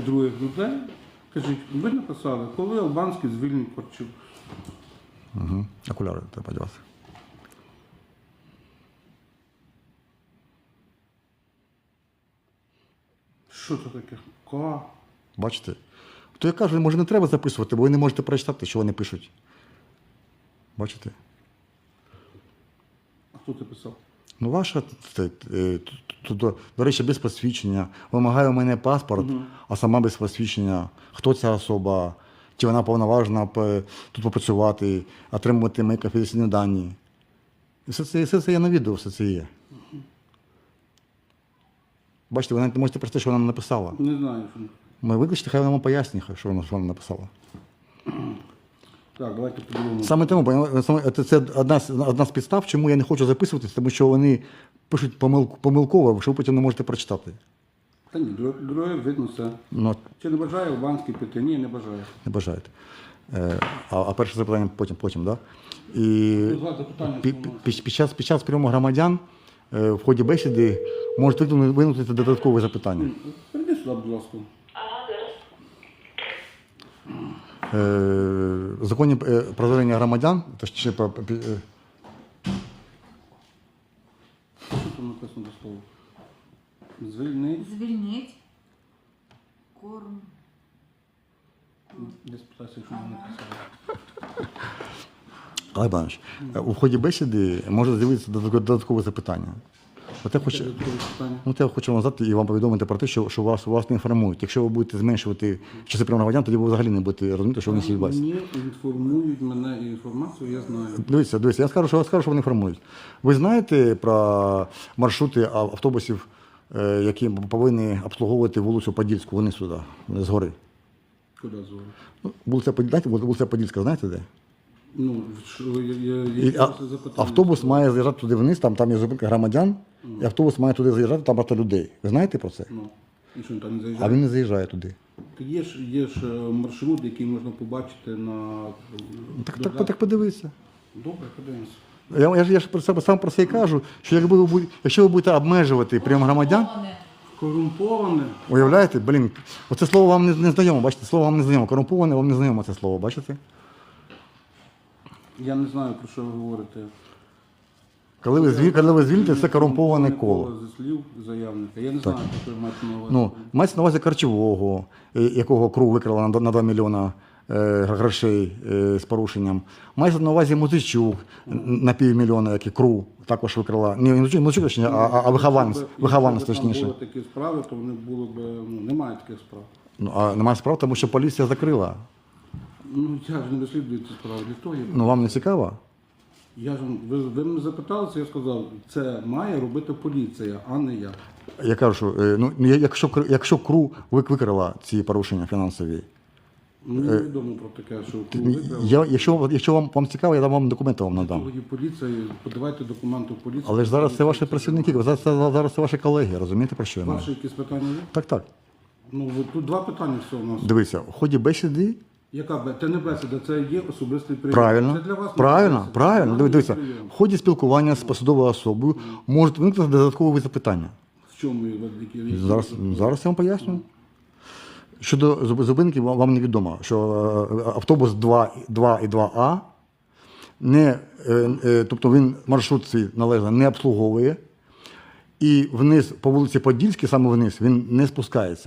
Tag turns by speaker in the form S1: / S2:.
S1: других людей. Кажіть, ви написали, коли Албанський звільнить Корчук.
S2: Угу. Окуляри треба одягати.
S1: Що це таке? Ка?
S2: Бачите? То я кажу, може не треба записувати, бо ви не можете прочитати, що вони пишуть. Бачите?
S1: А хто це писав?
S2: Ну, ваша, до речі, без посвідчення. Вимагає у мене паспорт, а сама без посвідчення. Хто ця особа? Чи вона повноважена тут попрацювати, отримувати мої конфіденційні дані? І все це є на відео, все це є. Бачите, ви навіть не можете прочитати, що вона написала.
S1: Не знаю, що.
S2: Ми викличте, хай вона вам пояснює, що вона написала.
S1: Так, давайте подивимося.
S2: Саме тому, це одна з підстав, чому я не хочу записуватися, тому що вони пишуть помилково, що ви потім не можете прочитати.
S1: Та ні, друге видно все.
S2: Ну,
S1: Чи не бажає Албанський піти? Ні, не бажає.
S2: не бажаєте. А перше запитання потім, да? І
S1: Запитання,
S2: під час прийому громадян в ході бесіди можуть винути додаткові запитання.
S1: Прийди сюди, будь ласка.
S2: В законі про звернення громадян, точніше,
S1: Що там написано до слова?
S3: Звільніть. Корм.
S1: Десь питайся, що вона написала.
S2: Олег Іванович, у ході бесіди може з'явитися додаткове запитання. От я хочу вам задати і вам повідомити про те, що вас не інформують. Якщо ви будете зменшувати часи прийому громадян, тоді ви взагалі не будете розуміти, що вони всі відбувається.
S1: Мені інформують мене інформацію, я знаю.
S2: Дивіться, я скажу, що вони інформують. Ви знаєте про маршрути автобусів, які повинні обслуговувати вулицю Подільську, вони сюди, з гори?
S1: Куди зовут?
S2: Вулиця Подільська, знаєте де?
S1: Ну,
S2: Автобус має заїжджати туди вниз, там є зупинка громадян, і автобус має туди заїжджати, там багато людей. Ви знаєте про це?
S1: Ну, і що він там не заїжджає?
S2: А він не заїжджає туди.
S1: Є ж маршрут, який можна побачити на...
S2: Так подивіться.
S1: Добре, подивимося.
S2: Я ж сам про це і кажу, що якщо ви будете обмежувати прийом громадян,
S1: Корумповане.
S2: уявляєте, оце слово вам не знайомо, бачите, слово вам не знайомо, корумповане вам не знайомо це слово, бачите?
S1: Я не знаю, про що ви говорите.
S2: Коли ви звільните, це корумповане коло.
S1: Зі слів заявника. Я не знаю, про що ви маєте на увазі.
S2: Ну, мається на увазі Корчового, якого КРУ викрала на 2 мільйона грошей з порушенням. Мається на увазі Музичук на півмільйона, який КРУ також викрала. Не Музичук, точніше, а Вихованець, точніше.
S1: Якщо б там були такі справи, то вони були б... немає таких справ.
S2: Ну, а немає справ, тому що поліція закрила.
S1: Ну, я ж не розслідую ці справи. Для того
S2: Ну, вам не цікаво?
S1: ви мене запиталися, я сказав, це має робити поліція, а не я.
S2: Я кажу, що якщо КРУ викрила ці порушення фінансові,
S1: Мені невідомо про таке, що КРУ викрав.
S2: якщо вам цікаво, я вам документи вам надам.
S1: Тоді поліція, подавайте документи в поліцію.
S2: Але ж зараз це ваші працівники, зараз це ваші колеги, розумієте, про що я маю?
S1: Ваші якісь питання є?
S2: Так.
S1: Ну, тут два питання всього у нас.
S2: Дивіться, в ході бесіди.
S1: Це не бесіда, це є особистий прийом.
S2: Правильно,
S1: Це для вас
S2: правильно. Дивіться, в ході спілкування з посадовою особою можуть виникнути додаткові запитання.
S1: В чому які?
S2: Зараз я вам поясню. Щодо зупинки, вам невідомо, що автобус 2 і 2А, тобто він маршрут свій належно не обслуговує, і вниз по вулиці Подільській, саме вниз, він не спускається.